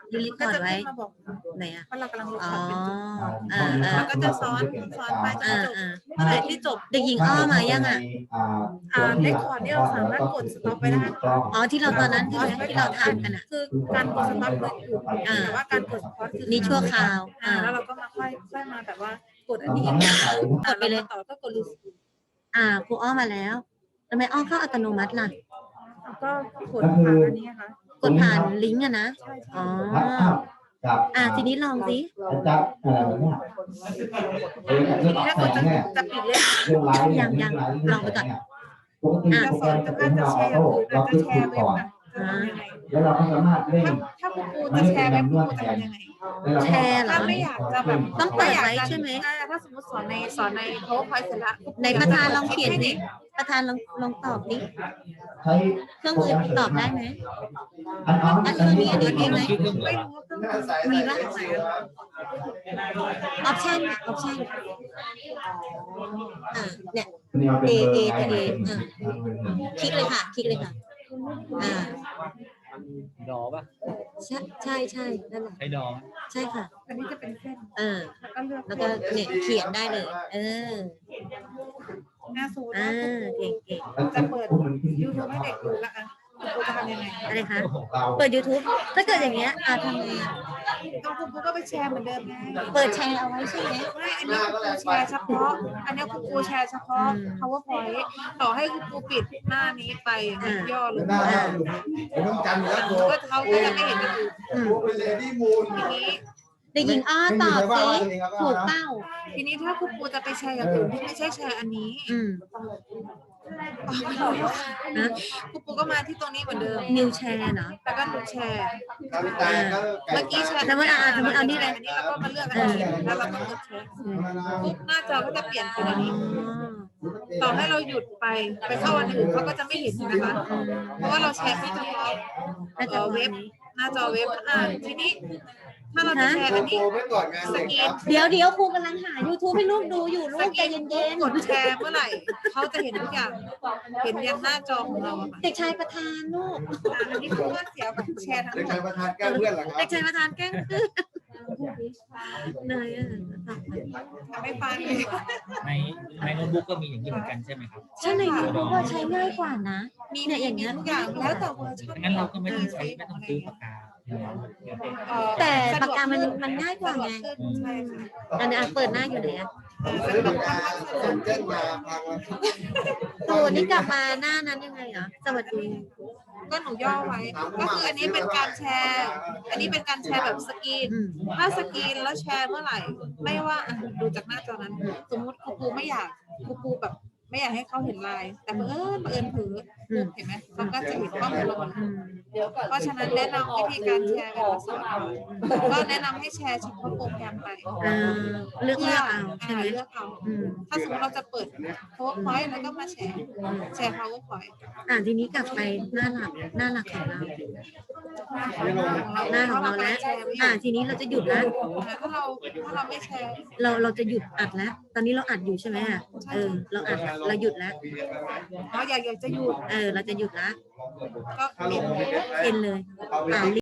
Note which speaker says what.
Speaker 1: ยูรีพ
Speaker 2: ก็
Speaker 1: อร์ต
Speaker 2: จะ
Speaker 1: ไว้
Speaker 2: ขึ้นมาบอก
Speaker 1: ไหนอ่ะ
Speaker 2: ว่าเรากำลังลง
Speaker 1: อ๋อ
Speaker 2: คอร์สเป็นจุด
Speaker 1: แล้ว
Speaker 2: ก็จะซ้อนไปจนจบเมื่อไหร่ที่จบ
Speaker 1: เด็กหญิงอ้อมายังอ่ะ
Speaker 2: ในคอร์สเนี่ยเราสามารถกดสต็อปไปได้
Speaker 1: อ๋อที่เราตอนนั้นใช่ไหมที่เราทำกันอ่ะ
Speaker 2: คือการกดสต็อปคืออยู่แต่ว่าการกดคอร์สคือ
Speaker 1: นี่ชั่วคราว
Speaker 2: แล้วเราก็มาค่อยมาแบบว่ากดอันนี้
Speaker 1: กดไปเลย
Speaker 2: ต่อก็กดรีสิว
Speaker 1: ครูอ้อมาแล้วทำไมอ้อเข้าอัตโนมัติล่ะ
Speaker 2: ก็กดผ่านอันนี้ค่ะ
Speaker 1: กดผ่านลิงก์อะนะ
Speaker 2: ใช่
Speaker 1: อ๋อ ทีนี้ลองสิ
Speaker 3: จับอะไรแบบนี้
Speaker 2: ทีนี้ถ้ากดจะปิดเลย
Speaker 1: ยังลองไปก่อน
Speaker 3: ปกติโปรแกรมจะเป็นเราออโต้เราคลิกถูกก่อนแล้วเราก็สามารถเล่น
Speaker 2: ถ้าคุณครูจะแชร์เว็บคุณครูจะทำยังไง
Speaker 1: แชร์เหรอ
Speaker 2: ถ้าไม่อยากจะแบบ
Speaker 1: ต้องเปิดไว้ใช่ไหม
Speaker 2: ถ้าสมมติสอนใน PowerPoint เสร็จแล้ว
Speaker 1: ในประธานลองเขียนดิประธานลองตอบดิ
Speaker 3: ใช้
Speaker 1: เครื่องมือตอบได้ไหม
Speaker 3: อันนี้
Speaker 1: มีไหม
Speaker 2: ไม่รู้ว่าเครื่องมือมีบ้างไหม
Speaker 1: ออปชั่นเนี่ย
Speaker 3: เอ
Speaker 1: คลิกเลยค่ะ
Speaker 4: ดอป่ะ
Speaker 1: ใช่นั่นแหละ
Speaker 4: ใช้ดอ
Speaker 1: ใช่ค่ะ
Speaker 2: อันนี้จะเป็นเส้น แล้วก็เลือก
Speaker 1: แล้วก็เนี่ยเขียนได้เลย
Speaker 2: หน้าซูน
Speaker 1: เก่ง
Speaker 2: จะเปิด YouTube ให้เด็กดูละอ่ะคุณครูจะทำยังไง
Speaker 1: อะไรคะ เปิด YouTube ถ้าเกิดอย่างเงี้ยทำไง
Speaker 2: ก็คุณครูก็ไปแชร์เหมือนเดิมไง
Speaker 1: เปิดแชร์เอาไว้ใช่ไหม
Speaker 2: ไม่อันนี้คุณครูแชร์เฉพาะ อันนี้คุณครูแชร์เฉพาะ PowerPoint ต่อให้คุณครูปิดหน้านี้ไปย่อลง
Speaker 3: ต้องจำอยู่แล้วโบ
Speaker 2: ก็เขาก็จะไม่เห็นกันอยู่
Speaker 3: เป็นเลดี้มูน
Speaker 2: ทีนี้
Speaker 1: เด็กหญิงอ้อตอบสิถูกเป้า
Speaker 2: ทีนี้ถ้าคุณครูจะไปแชร์อย่างอื่นที่ไม่ใช่แชร์อันนี้
Speaker 1: นะ
Speaker 2: คุณครูก็มาที่ตรงนี้เหมือนเดิม
Speaker 1: นิวแชร์เนาะ
Speaker 2: แล้วก็หนูแชร์
Speaker 3: เมื่
Speaker 2: เมื่อกี้แชร์
Speaker 1: สมมติเอานี่เลย
Speaker 2: อันนี้แล้วก็มาเลือกอันนี้แล้วเราก็กดแชร์ปุ๊บหน้าจอก็จะเปลี่ยนเป็นอันนี้ ต่อให้เราหยุดไปเข้าอันอื่นเขาก็จะไม่เห็นนะคะ เพราะว่าเราแชร์แค่เฉพาะเว็บหน้าจอเว็บทีนี้ถ้าเราจะแชร์อันนี้สกรีน
Speaker 1: เดี๋ยวครูกำลังหา YouTube ให้ลูกดูอยู่ลูกใจเย็น
Speaker 2: กดแชร์เมื่อไหร่เขาจะเห็นทุกอย่างเห็นยันหน้าจอของเราอะค่ะ
Speaker 1: ๆเด็กชายประธานลูก
Speaker 2: อันนี้คือว่าเสียกับแชร์ทั้งหม
Speaker 3: เด็กชาย
Speaker 2: ด
Speaker 3: ประธานแก้เพื่อนเหรอครั
Speaker 1: เด็
Speaker 3: บ
Speaker 1: กชายประธานแกล้งคือเหนื่อย
Speaker 2: ทำให้ฟัง
Speaker 4: ในโน้ตบุ๊กก็มีอย่างนี้เหมือนกันใช่ไหมครับ
Speaker 1: ใช่ในยูทูบใช้ง่ายกว่านะ
Speaker 2: มี
Speaker 1: เนี่ยอย่างเงี้ย
Speaker 2: ทุกอย่างแล้วแต่เวอร์ชัน
Speaker 4: งั้นเราก็ไม่ต้องซื้อปากกา
Speaker 1: แต่ปากกามันง่ายกว่าไง
Speaker 2: ใช่ค่ะ
Speaker 1: อันนี้เปิดหน้าอยู่ไหนอะ
Speaker 3: ซื้อปากกาส่งเจ้นมาพังแล้ว
Speaker 1: ตูนี่กลับมาหน้านั้นยังไงเหรอสวัสดี
Speaker 2: ก็หนูย่อไว้ ก็คืออันนี้เป็นการแชร์ อันนี้เป็นการแชร์แบบสกรีน ถ้าสกรีนแล้วแชร์เมื่อไหร่ ไม่ว่าดูจากหน้าจอนั้น สมมุติครูไม่อยากครูแบบไม่อยากให้เขาเห็นไลน์แต่บังเอิญเผลอเห็นไหมเขาก็จะเห็นข้อมูลเราหมดเพราะฉะนั้นแนะนำวิธีการแชร์แบบลักษณะก็แนะนำให้แชร์เฉพาะโปรแกรมไป
Speaker 1: เลือกเอาใช่ไหม
Speaker 2: เลือกเอาถ้าสมมติเราจะเปิด PowerPoint แล้วก็มาแชร์ PowerPoint
Speaker 1: ทีนี้กลับไปหน้าหลักของเรา หน้าของเราแล้วทีนี้เราจะหยุดแล้ว
Speaker 2: ถ้าเราไม่แชร์
Speaker 1: เราจะหยุดอัดแล้ว ตอนนี้เราอัดอยู่ใช่ไหมเราอัดเราหยุดแล้ว
Speaker 2: อยากจะหยุด
Speaker 1: เราจะหยุดแล้ว
Speaker 2: ก็เปลี่ยน
Speaker 1: เป็นเลย